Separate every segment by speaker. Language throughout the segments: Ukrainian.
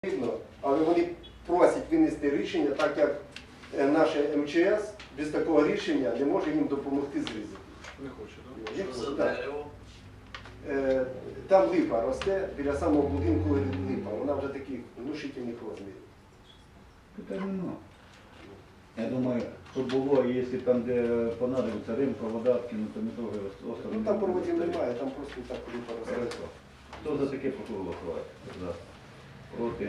Speaker 1: потрібно, але вони просять винести рішення, так як наше МЧС без такого рішення не може їм допомогти з ризиків.
Speaker 2: Не хоче, так?
Speaker 3: Що за дерево?
Speaker 1: Там липа росте, біля самого будинку липа, вона вже таких внушительних розмірів.
Speaker 4: Питань нема. Я думаю, що було, якщо там, де понадобиться рим, провода, кинути метровий остров.
Speaker 1: Ну там проводів немає, там просто так липа росте.
Speaker 4: Хорошо. Хто за таке прошу голосувати? За. Проти?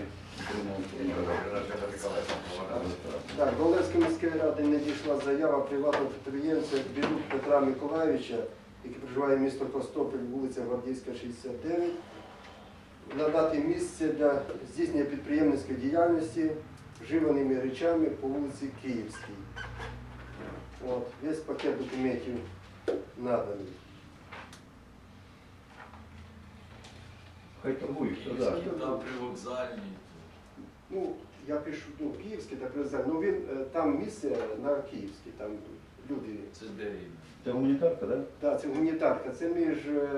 Speaker 1: Так, до Олевської міської ради надійшла заява приватного підприємця Бірюк Петра Миколайовича, який проживає місто Костопіль, вулиця Гвардійська, 69, надати місце для здійснення підприємницької діяльності вживаними речами по вулиці Київській. От, весь пакет документів наданий.
Speaker 4: Хай торгують, хто за.
Speaker 3: Там при вокзальній.
Speaker 1: Ну, я пишу, Київський та президент, ну він, там місце на Київській, там люди.
Speaker 3: Це де він?
Speaker 4: Це гуманітарка, так?
Speaker 1: Так, це гуманітарка, це між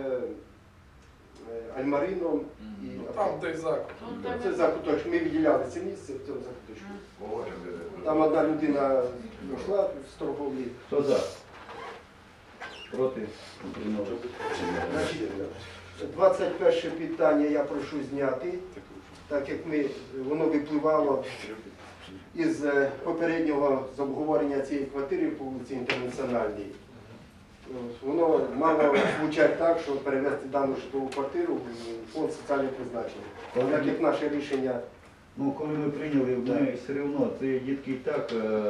Speaker 1: Альмарином і...
Speaker 2: Там той заклад.
Speaker 1: Це закуточок, ми виділяли це місце в цьому закуточку. Там одна людина йшла з торговлі.
Speaker 4: Хто за? Проти? Утримались?
Speaker 1: Значить, 21 питання я прошу зняти, так як воно випливало із попереднього обговорення цієї квартири по вулиці Інтернаціональній. Воно мало звучати так, що перевести дану житлову квартиру в фонд соціального призначення. Так як наше рішення.
Speaker 4: Ну, коли ми прийняли, ми все одно, ці дітки і так,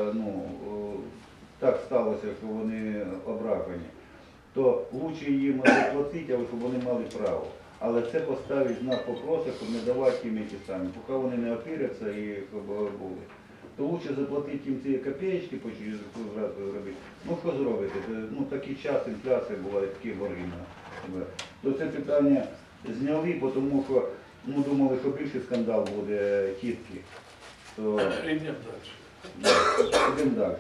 Speaker 4: так сталося, що вони ображені, то краще їм заплатити, але щоб вони мали право. Але це поставить знак вопроса, щоб не давати їм ті самі, поки вони не опіряться і щоб були. То краще заплатити їм ці копеечки, по через зразу робити. Ну що зробити? Ну такий час, інфляція була, і такі борги. То це питання зняли, тому що думали, що більший скандал буде тітки. То
Speaker 2: Йдемо далі.
Speaker 4: йдемо далі.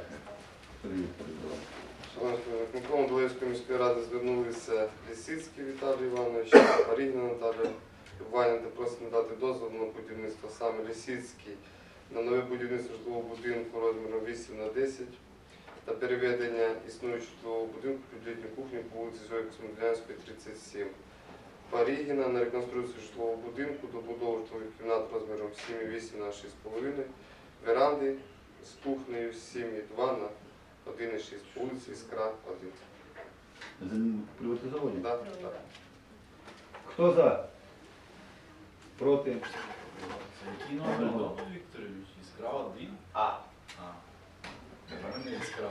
Speaker 5: Шановні виконкому до Олевської міської ради звернулися Лісицький Віталій Іванович, Марігіна Наталя Іванівна, просить надати дозвіл на будівництво саме Лісицький на нове будівництво житлового будинку розміром 8х10 та переведення існуючого житлового будинку під літню кухню по вулиці Зої Космодлянської, 37. Парігіна на реконструкцію житлового будинку, добудову житлових кімнат розміром 7,8 на 6,5, веранди з кухнею 7,2 на 1,6 по вулиці Іскра 1.
Speaker 4: Приватизовані?
Speaker 5: Так, так.
Speaker 4: Хто за? Проти?
Speaker 3: Який номер дому, Вікторович? Іскра 1? А. У мене Іскра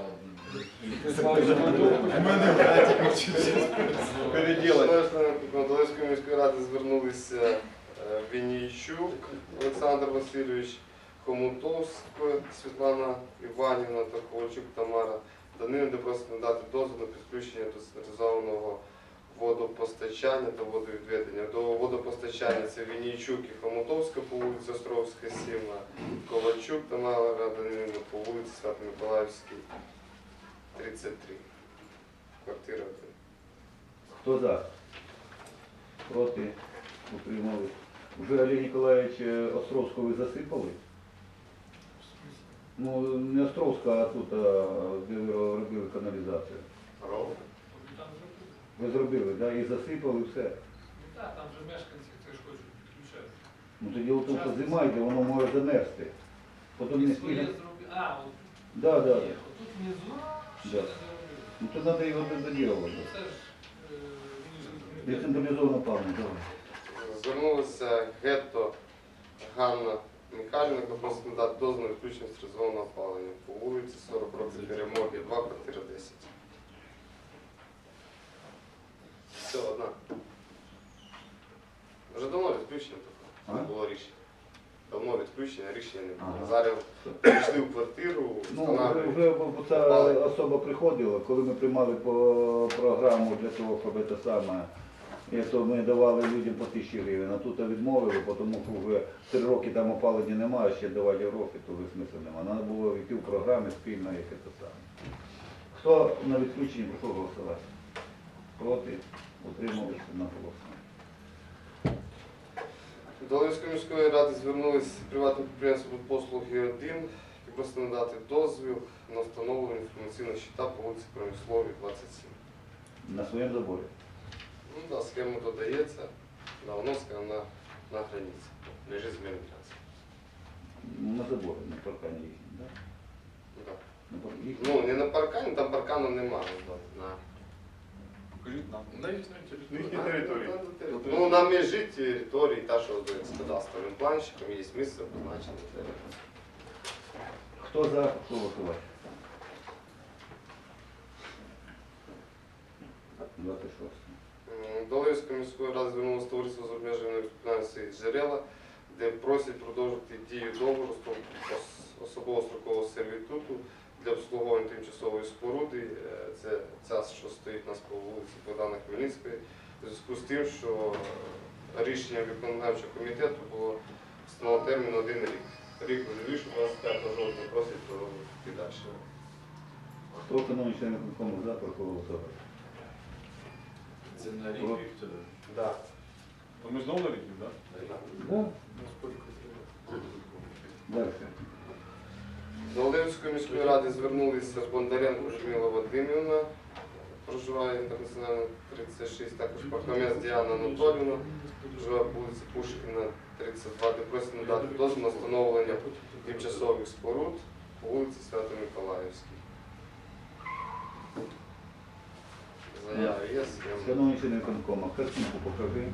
Speaker 3: 1.
Speaker 2: У мене братик вчився. Переділати.
Speaker 5: До Олевської міської ради звернулися Вінійчук Олександр Васильович, Хомутовська Світлана Іванівна та Ковальчук Тамара Данилівна, де просить надати дозвіл на підключення до централізованого водопостачання та водовідведення. До водопостачання це Вінійчук і Хомутовська по вулиці Островська, 7, Ковальчук Тамара Данилівна по вулиці Свято-Миколаївській, 33. Квартира 1.
Speaker 4: Хто за? Проти? Утримали. Вже Олег Ніколаєвич Островського ви засипали? Ну, не Островська, а тут, де ви робили каналізацію. Ви зробили, да? І засипали все.
Speaker 6: Так, там же мешканці теж хочуть підключати.
Speaker 4: Ну, тоді в тому, що зима йде, воно може замерзти. Потім не
Speaker 6: Своє
Speaker 4: спільно.
Speaker 6: зробили. А, от
Speaker 4: Да, да.
Speaker 6: є. Отут внизу ще
Speaker 4: Да.
Speaker 6: не зробили.
Speaker 4: Ну, то треба його доділувати.
Speaker 6: Це ж
Speaker 4: Децентралізовано певно, давай.
Speaker 5: Звернулася Гетто Ганна Михайлівна, яка просить надати дозвіл на відключення стерилізованого опалення по вулиці 40 років Перемоги, 2, квартира 10. Все, одна. Вже давно відключення таке, не було рішення. Давно відключення, рішення не було.
Speaker 4: Ага.
Speaker 5: Зараз прийшли в квартиру,
Speaker 4: Ну,
Speaker 5: встановлюють.
Speaker 4: вже ця особа приходила, коли ми приймали по програму для того, щоб це саме, то ми давали людям по 1000 гривень, а тут відмовили, тому що вже 3 роки там опалення немає, ще давати гроші, то вже смисла немає. Треба було йти в програмі спільно, як це саме. Хто на відключенні прошу голосувати? Проти? Утрималися на голосування.
Speaker 5: До Львівської міської ради звернулись приватне підприємство «Послуги 1», які просить надати дозвіл на встановлення інформаційного щита по вулиці Промисловій, 27.
Speaker 4: На своєму заборі.
Speaker 5: Ну да, схема додається, да, воно на границі, лежить земельний трасі.
Speaker 4: На заборі, на паркані їхні, так?
Speaker 5: Да.
Speaker 4: На паркані.
Speaker 5: Ну, не на паркані, там паркану немає.
Speaker 2: Покажіть нам. На їхній території.
Speaker 5: На території. Ну, на межі території, та, що з кадастровим планчиком, є місце позначене.
Speaker 4: Хто за, хто голосувати? 26.
Speaker 5: До Львівської міської ради звернулося товариство з обмеженою відповідальністю «Джерела», де просять продовжити дію договору особового строкового сервітуту для обслуговування тимчасової споруди. Це ця, що стоїть у нас по вулиці Богдана Хмельницької, у зв'язку з тим, що рішенням виконавчого комітету було встановлено термін 1 рік. Рік вирішив 25 жовтня, просять продовжити далі.
Speaker 4: Хто економічний член виконкому за, прошу голосувати?
Speaker 3: Це на рік,
Speaker 4: Про-
Speaker 3: Віктор.
Speaker 5: Да.
Speaker 2: То ми знову на рік, так?
Speaker 4: Да. Далі.
Speaker 5: До Львівської міської ради звернулися Бондаренко Людмила Вадимівна, проживає інтернаціонально 36, також Пархомець Діана Анатоліївна, проживає по вулиці Пушкіна, 32, де просить надати дозвіл на встановлення тимчасових споруд по вулиці Свято-Миколаївській. Заява є, схема.
Speaker 4: Шановні члени виконкому, картинку покажи.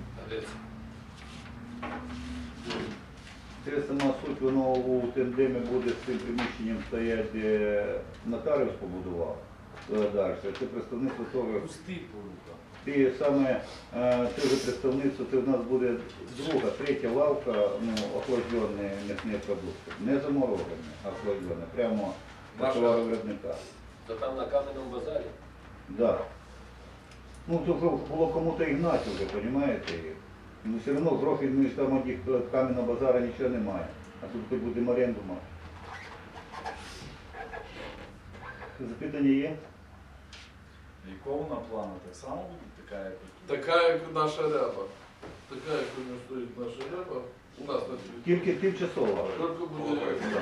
Speaker 4: Це сама суть, воно у тендемі буде з цим приміщенням стоять, де нотаріус побудував. Далі. Це представництво того.
Speaker 3: Пустий порука.
Speaker 4: І саме це вже представництво, це в нас буде друга, третя лавка, ну, охлаждені м'ясні продукти. Не заморожені, а охлаждені. Прямо
Speaker 2: Наша-
Speaker 4: такого виробника.
Speaker 7: То там на кам'яному базарі.
Speaker 4: Да. Ну, то вже було кому-то і гнати вже, розумієте? Ну, все одно грошей, ну, і там тих кам'яного базара нічого немає. А тут хоч будемо оренду мати. Запитання є?
Speaker 3: Якого вона плану? Так само буде така, як тут?
Speaker 2: Така, як наша ряба. Така, як у нього стоїть наша ряба. У нас на території.
Speaker 4: Тільки тимчасово.
Speaker 2: Тільки буде ряба.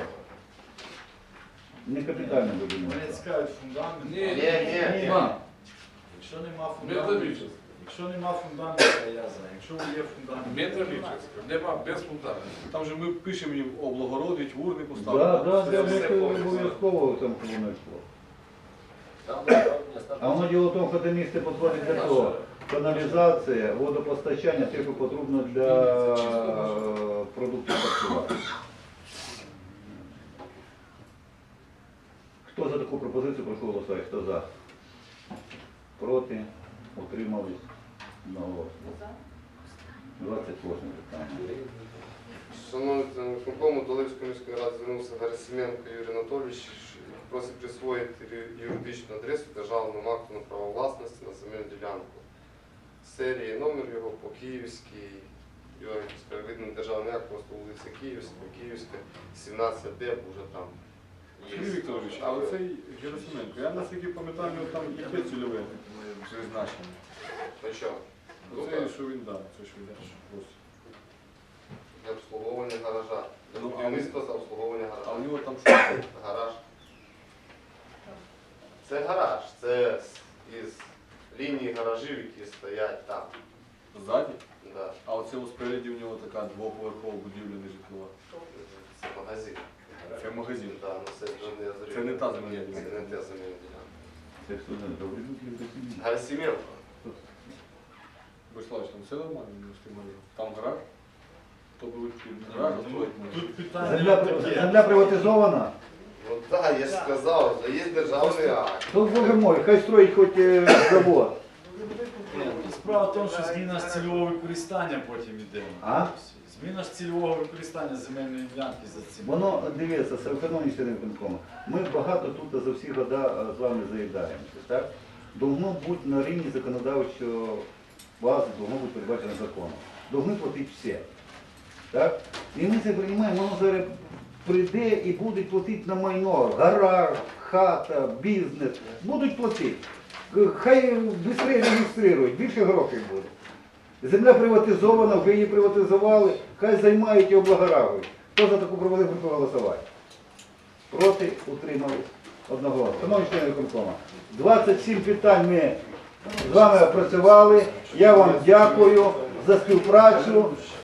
Speaker 4: Не капітально будемо.
Speaker 3: Мене цікавить фундамент.
Speaker 2: Ні,
Speaker 5: Ні.
Speaker 2: Нема.
Speaker 3: Якщо нема фундаменту,
Speaker 2: Металічний.
Speaker 3: якщо нема фундаменту, то я за. Якщо є фундамент,
Speaker 2: Металічний. Нема, без фундаменту.
Speaker 8: Там же ми пишемо їм облагородить, урни
Speaker 4: Так,
Speaker 8: поставити.
Speaker 4: так, для
Speaker 5: Все
Speaker 4: них
Speaker 5: повністю.
Speaker 4: обов'язково в цьому воно йшло.
Speaker 7: Там направлення
Speaker 4: А воно діло в тому, що це місце підходить для того. Каналізація, водопостачання, те, що потрібно для продуктів харчування. Хто за таку пропозицію, прошу голосувати. Хто за? Проти? Утримались? Одноголосно. 28 питання.
Speaker 5: Шановні члени виконкому, до Львівської міської ради звернувся Герасименко Юрій Анатолійович, просить присвоїти юридичну адресу державному акту на право власності на земельну ділянку. Серії номер його по Київській, його справедливий державний акт, просто вулиця Київська, Київська, 17Д, вже там є.
Speaker 8: Сергій Вікторович, а оцей Герасименко, я наскільки пам'ятаю, там яке цільове призначення?
Speaker 5: Ну що?
Speaker 8: Оце, що він дав, це що він просить.
Speaker 5: Для обслуговування гаража. Для
Speaker 8: Ну, а
Speaker 5: будівництва за обслуговування
Speaker 8: А у
Speaker 5: гаража.
Speaker 8: нього там що?
Speaker 5: Гараж. Це гараж, це із лінії гаражів, які стоять там.
Speaker 8: Ззаді?
Speaker 5: Да.
Speaker 8: А оце спереді у нього така двоповерхова будівля не житлова.
Speaker 5: Це магазин.
Speaker 8: Це магазин.
Speaker 5: Да, ну
Speaker 8: Це не та земельна
Speaker 5: Це
Speaker 8: ділянка.
Speaker 5: не та земельна ділянка.
Speaker 4: Це все не добре.
Speaker 5: Герасименко.
Speaker 8: Бориславич, там все нормально, не встигаю. Там гараж? Хто буде гараж, а строїть може.
Speaker 3: Тут питання таке.
Speaker 4: Земля приватизована?
Speaker 5: Ну так, я ж сказав, що є державний акт.
Speaker 4: То, боже мой, хай строїть хоч завод.
Speaker 3: Ні, ну, справа в тому, що зміна ж цільового використання потім іде.
Speaker 4: А?
Speaker 3: Зміна ж цільового використання земельної ділянки за цим.
Speaker 4: Воно, дивіться, шановні члени виконкому, ми багато тут за всі года з вами заїдаємося, так? Должно бути на рівні законодавчого бази, должно бути передбачено законом. Должны платити всі. Так? І ми це приймаємо, воно зараз прийде і будуть платити на майно. Гараж, хата, бізнес. Будуть платити. Хай швидше реєструють, більше грошей буде. Земля приватизована, вже її приватизували, хай займають і облагоражують. Хто за таку пропозицію проголосувати? Проти, утримались. Одноголосно. Шановні члени виконкому, 27 питань ми з вами опрацювали. Я вам дякую за співпрацю.